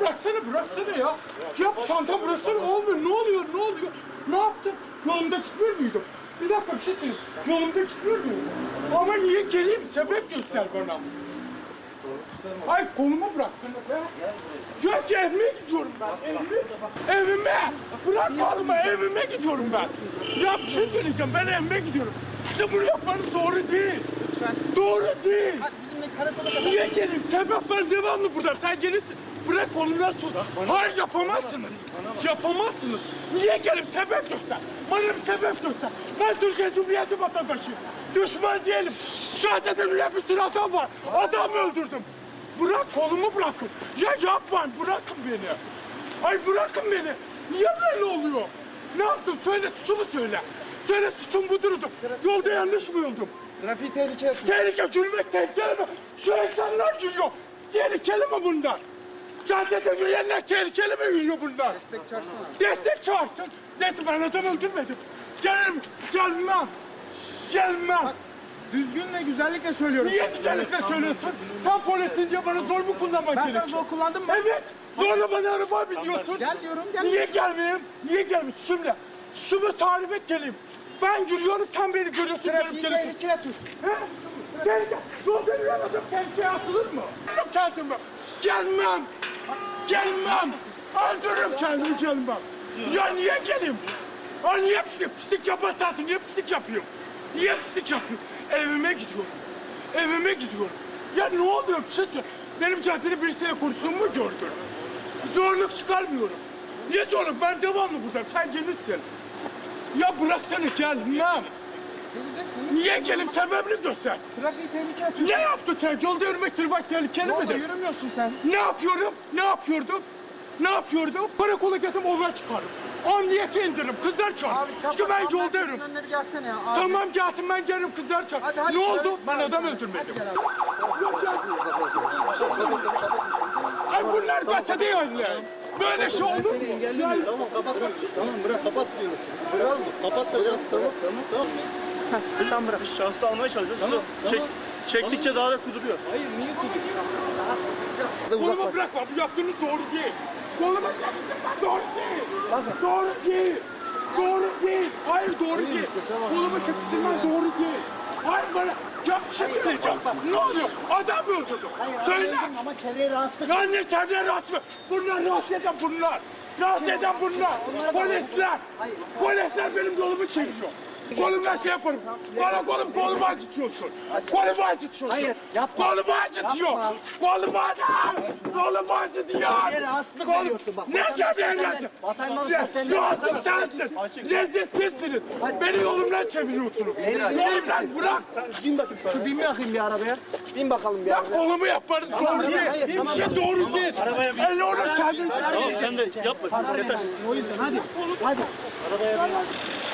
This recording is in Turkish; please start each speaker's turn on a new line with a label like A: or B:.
A: bıraksana ya. Ya bu çantamı bıraksana, olmuyor. Ne oluyor? Ne yaptın? Yolumda gitmiyor muydum? Bir dakika, bir şey söyleyeyim. Yolumda gitmiyor muydum? Ama niye geleyim? Sebep göster bana. Ay kolumu bıraksana be. Ya ki evime gidiyorum ben. Evime. Bırak kolumu, evime gidiyorum ben. Ya bir şey söyleyeceğim, ben evime gidiyorum. İşte bunu yapmanız doğru değil.
B: Lütfen.
A: Doğru değil.
B: Hadi bizimle karakola kadar.
A: Niye geleyim? Sebep ben devamlı burada. Sen gelirsin. Bırak kolumdan tut. Hayır, yapamazsınız. Yapamazsınız. Niye geleyim? Sebep göster. Bana bir sebep göster. Ben Türkiye Cumhuriyeti vatandaşıyım. Düşman değilim. Zaten öyle bir sürü adam var. Adam öldürdüm. Bırak kolumu, bırakın. Ya yapmayın, bırakın beni. Ay bırakın beni. Niye böyle oluyor? Ne yaptım? Söyle, suçumu söyle. Söyle, suçum budurdu. Yolda yanlış mı yoldum?
B: Trafiği tehlikeye atın.
A: Tehlike, gülmek tehlikeli mi? Şu insanlar gülüyor. Tehlikeli mi bunlar? Caddede yürüyenler tehlikeli mi yürüyor bunlar?
B: Destek çağırsana.
A: Destek çağırsın. Neyse, ben adam öldürmedim. Gelmem.
B: Bak, düzgün ve güzellikle söylüyorum.
A: Niye güzellikle söylüyorsun? Sen polisin diye bana zor mu kullanmak
B: Ben
A: gerekiyor?
B: sana zor kullandım mı?
A: Evet. Zorla bana araba biniyorsun.
B: Gel diyorum, gel.
A: Niye gelmeyeyim? Niye gelmeyeyim? Şimdi şunu tarif et geleyim. Ben gülüyorum, sen beni görüyorsun.
B: Trafiği
A: gelip
B: tehlikeye atıyorsun.
A: He? Tehlike. Yolda yürüyemedim, tehlikeye atılır mı? Öldürürüm kendimi. Gelmem. Öldürürüm kendimi, gelmem. Ya niye geleyim? Ha niye pislik yaparsın? Niye pislik yapıyorum? Evime gidiyorum. Ya ne oluyor? Bir şey söyle. Benim caddede birisiyle konuştuğumu mu gördün? Zorluk çıkarmıyorum. Niye zorluk? Ben devamlı buradayım. Sen gelirsin. Ya bıraksana, gelmem.
B: Geleceksin.
A: Niye gelip sebebini göster.
B: Trafiği tehlikeye atıyorsun.
A: Ne yaptın sen? Yolda yürümek trafik tehlikeli
B: Yolda
A: midir?
B: yürümüyorsun sen.
A: Ne yapıyordum? Karakola getirip olay çıkarım. Emniyete indiririm, kızlar çağır. Çünkü ben yolda yürüyorum.
B: Önüne bir gelsene ya. Abi.
A: Tamam gelsin, ben gelirim, kızlar çağır.
B: Hadi,
A: Ne oldu?
B: gel.
A: Ben adam öldürmedim. Ay bunlar gazetede yayınlar. Böyle şey olur mu?
C: Tamam kapat. Tamam bırak, kapat diyorum. Bırak mı? Kapat da tamam.
B: Tamam bırak.
D: Biz şahsı almaya çalışıyoruz. Çektikçe daha da kuduruyor.
A: Kolumu bırakma, bu yaptığınız doğru değil. Kolumu çekiştirme, doğru değil. Doğru değil. Hayır, doğru değil. Kolumu çekiştirme, doğru değil. Hayır, bana ya bir şey söyleyeceğim. Ne oluyor? Adam mı öldürdüm? Söyle.
C: Ama çevreye rahatsız.
A: Ya ne çevreye rahatsız mı? Rahatsız eden bunlar. Polisler benim yolumu çekiyor. Kolumdan şey yaparım. Kolumu acıtıyorsun.
C: Hayır, yapma.
A: Kolumu acıtıyor.
C: Yapma.
A: Kolumu acıtıyor.
C: Çevreye rahatsızlık veriyorsun bak.
A: Ne çevreye rahatsız?
C: Vatandaşlar sen de
A: Rahatsız sensin. Lezzetsizsiniz. Beni yolumdan çeviriyorsunuz. Yolumdan bırak.
C: Bin bakayım şöyle. Şu bin mi bakayım bir arabaya? Bin bakalım bir
A: Ya
C: arabaya.
A: kolumu yapmanız doğru değil.
C: hayır,
A: Bir
C: tamam.
A: şey doğru değil. Elle onu kendiniz.
D: Tamam sen de yapma. Yeter.
C: O yüzden hadi. Hadi.
D: Arabaya bin.